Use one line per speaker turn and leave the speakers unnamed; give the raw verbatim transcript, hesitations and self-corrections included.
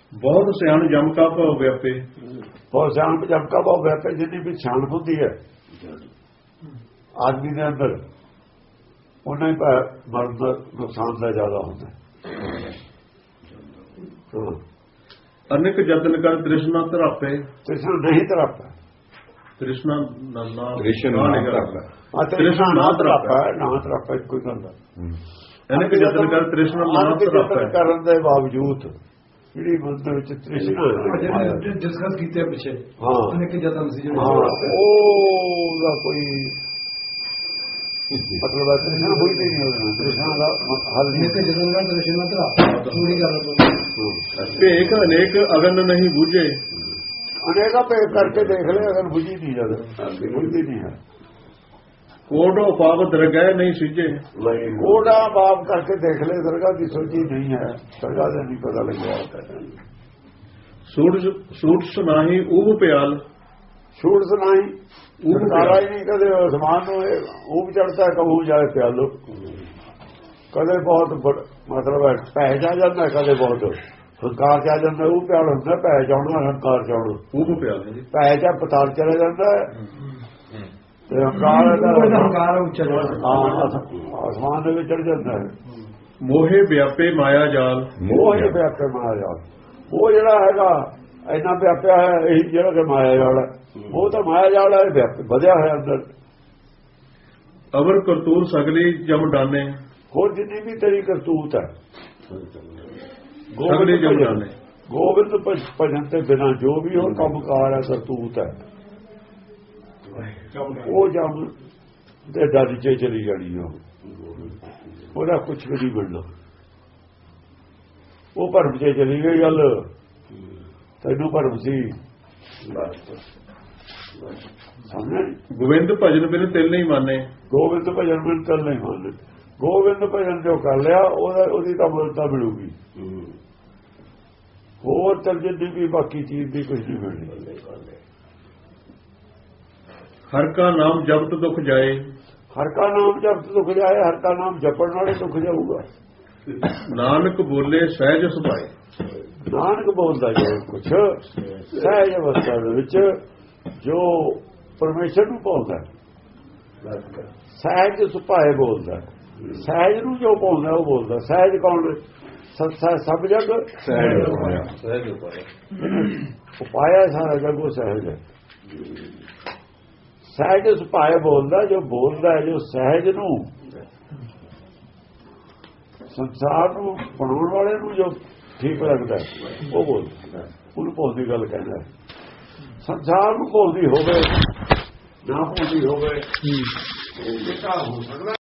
ਬਹੁਤ ਸਿਆਣ ਜਮ ਕਾ ਭਉ ਵਿਆਪੇ।
ਬਹੁਤ ਸਿਆਣ ਜਮ ਕਾ ਭਉ ਵਿਆਪੇ। ਜਿੰਨੀ ਵੀ ਸਿਆਣਪ ਹੁੰਦੀ ਹੈ ਆਦਮੀ ਦੇ ਅੰਦਰ ਉਹਨਾਂ ਹੀ ਮਰਨ ਦਾ ਨੁਕਸਾਨ ਦਾ ਜ਼ਿਆਦਾ ਹੁੰਦਾ।
ਅਨੇਕ ਯਤਨ ਕਰ ਤ੍ਰਿਸ਼ਨਾ ਧਰਾਪੇ।
ਤ੍ਰਿਸ਼ਨਾ ਨਹੀਂ ਧਰਾਪੇ।
ਤ੍ਰਿਸ਼ਨਾ ਨਾ
ਤ੍ਰਿਸ਼ਨਾ ਨਾ
ਤ੍ਰਿਸ਼ਨਾ ਨਾ ਧਰਾਪੇ। ਨਾ ਧਰਾਪੇ ਕੋਈ ਗੱਲ ਨਹੀਂ।
ਅਨੇਕ ਯਤਨ ਕਰ ਤ੍ਰਿਸ਼ਨਾ ਨਾ ਧਰਾਪੇ
ਕਰਨ ਦੇ ਬਾਵਜੂਦ ਜਿਹੜੀ ਮਨ ਦੇ ਵਿੱਚ ਤ੍ਰਿਸ਼ਨਾ
ਡਿਸਕਸ ਕੀਤੇ ਪਿੱਛੇ
ਹਾਂ
ਅਨੇਕ ਯਤਨ ਸੀ ਜਿਹੜੇ
ਉਹਦਾ ਕੋਈ ਮਤਲਬ ਹੈ ਤ੍ਰਿਸ਼ਨਾ ਹੋਈ ਨਹੀਂ ਉਹਦੇ ਨਾਲ। ਤ੍ਰਿਸ਼ਨਾ ਦਾ ਹੱਲ ਨਹੀਂ
ਤੇ ਜਦੋਂ ਨਾ ਤ੍ਰਿਸ਼ਨਾ ਧਰਾਪੇ ਪੂਰੀ ਗੱਲ
ਭੇਖ ਅਨੇਕ ਅਗਨ ਨਹੀਂ ਬੂਝੇ।
ਅਨੇਕਾਂ ਭੇਖ ਕਰਕੇ ਦੇਖ ਲੈ ਅਗਰ ਬੁਝੀ ਨਹੀਂ ਜਦ ਬੁਝਦੀ ਨਹੀਂ ਹੈ।
ਕੋਟੋ ਪਾਪ ਦਰਗਾਹ ਨਹੀਂ ਸਿੱਝੇ।
ਕੋੜਾ ਪਾਪ ਕਰਕੇ ਦੇਖ ਲੈ ਦਰਗਾਹ ਦੀ ਸੋਚੀ ਨਹੀਂ ਹੈ। ਦਰਗਾਹ ਦਾ ਨਹੀਂ ਪਤਾ ਲੱਗਿਆ।
ਸੂਟ ਸੂਟ ਸੁਨਾਹੀ ਉਹ ਪਿਆਲ।
ਸੂਟ ਸੁਨਾਹੀ ਉਹ ਕਾਲਾ ਹੀ ਨਹੀਂ ਕਦੇ ਅਸਮਾਨ ਨੂੰ ਉਹ ਚੜਦਾ ਕਬੂ ਜਾਏ ਪਿਆਲੋ। ਕਦੇ ਬਹੁਤ ਮਤਲਬ ਹੈ ਪੈ ਜਾ ਜਾਂਦਾ ਕਦੇ ਬਹੁਤ ਹੰਕਾਰ ਚ ਆ ਜਾਂਦਾ ਉਹ ਪਿਆਲ ਹੁੰਦਾ। ਪੈ ਚਾਉਣਾ ਹੰਕਾਰ ਚਾਉਣਾ
ਉਹ ਪਿਆਲ
ਪੈ ਚਾ ਪਤਾਲ ਚਲਾ ਜਾਂਦਾ ਤੇ ਹੰਕਾਰ
ਹੰਕਾਰ ਉੱਚਾ
ਆਸਮਾਨ ਦੇ ਵਿੱਚ ਚੜ ਜਾਂਦਾ ਹੈ।
ਮੋਹੇ ਵਿਆਪੇ ਮਾਇਆ ਜਾਲ।
ਮੋਹੇ ਵਿਆਪੇ ਮਾਇਆ ਜਾਲ। ਉਹ ਜਿਹੜਾ ਹੈਗਾ ਇੰਨਾ ਵਿਆਪਿਆ ਹੈ ਇਹੀ ਜਿਹੜਾ ਕਿ ਮਾਇਆ ਜਾਲ ਹੈ। ਉਹ ਤਾਂ ਮਾਇਆ ਜਾਲ ਹੈ ਵਧਿਆ ਹੋਇਆ ਅੰਦਰ।
ਅਵਰ ਕਰਤੂਰ ਸਗਲੀ ਜਮ ਡਾਨੇ।
ਹੋਰ ਜਿੰਨੀ ਵੀ ਤੇਰੀ ਕਰਤੂਤ ਹੈ
ਸਗਲੀ ਜਮ ਡਾਨੇ।
ਗੋਬਿੰਦ ਭਜਨ ਤੇ ਬਿਨਾਂ ਜੋ ਵੀ ਹੋਰ ਕੰਮਕਾਰ ਹੈ ਕਰਤੂਤ ਹੈ ਉਹ ਜਮ ਦੇ ਦਰ ਚ ਚਲੀ ਜਾਣੀ। ਉਹ ਉਹਦਾ ਕੁਛ ਵੀ ਨਹੀਂ ਬਣਨਾ। ਉਹ ਭਰਮ ਚ ਚਲੀ ਗਈ ਗੱਲ। ਤੈਨੂੰ ਭਰਮ ਸੀ।
ਗੋਬਿੰਦ ਭਜਨ ਬਿਨ ਤਿਲ ਨਹੀਂ ਮੰਨੇ।
ਗੋਬਿੰਦ ਭਜਨ ਬਿਨ ਤਿਲ ਨਹੀਂ ਮੰਨੇ। ਗੋਬਿੰਦ ਭਜਨ ਜੋ ਕਰ ਲਿਆ ਉਹਦਾ ਉਹਦੀ ਤਾਂ ਮੁਲਤਾ ਮਿਲੂਗੀ। ਹੋਰ ਤਾਂ ਜਿੰਨੀ ਵੀ ਬਾਕੀ ਚੀਜ਼ ਦੀ ਕੁਝ ਨਹੀਂ ਮਿਲਣੀ।
ਹਰ ਕਾ ਨਾਮ ਜਪਤ ਦੁੱਖ ਜਾਏ।
ਹਰ ਕਾ ਨਾਮ ਜਪਤ ਦੁੱਖ ਜਾਏ। ਹਰ ਕਾ ਨਾਮ ਜਪਣ ਨਾਲੇ ਦੁੱਖ ਜਾਊਗਾ।
ਨਾਨਕ ਬੋਲੇ ਸਹਿਜ ਸੁਭਾਏ।
ਨਾਨਕ ਬੋਲਦਾ ਜੋ ਕੁਛ ਸਹਿਜ ਅਵਸਥਾ ਦੇ ਵਿੱਚ ਜੋ ਪਰਮੇਸ਼ਰ ਨੂੰ ਬੋਲਦਾ ਸਹਿਜ ਸੁਭਾਏ ਬੋਲਦਾ। ਸਹਿਜ ਨੂੰ ਜੋ ਬੋਲਦਾ ਉਹ ਬੋਲਦਾ। ਸਹਿਜ ਕੌਣ? ਸਭ ਜਗ ਸਹਿਜ ਉਪਾਇਆ। ਸਾਰਾ ਜਗ ਉਹ ਸਹਿਜ ਹੈ। ਸਹਿਜ ਸੁਭਾਏ ਬੋਲਦਾ ਜੋ ਬੋਲਦਾ ਜੋ ਸਹਿਜ ਨੂੰ ਸੰਸਾਰ ਨੂੰ ਬਣਾਉਣ ਵਾਲੇ ਨੂੰ ਜੋ ਠੀਕ ਲੱਗਦਾ ਉਹ ਬੋਲਦਾ। ਉਹਨੂੰ ਭੁੱਲ ਦੀ ਗੱਲ ਕਹਿੰਦਾ। ਸੰਸਾਰ ਨੂੰ ਭੁੱਲਦੀ ਹੋਵੇ ਨਾ ਭੁੱਲਦੀ ਹੋਵੇ ਇਹ ਤਾਂ ਹੋ ਸਕਦਾ।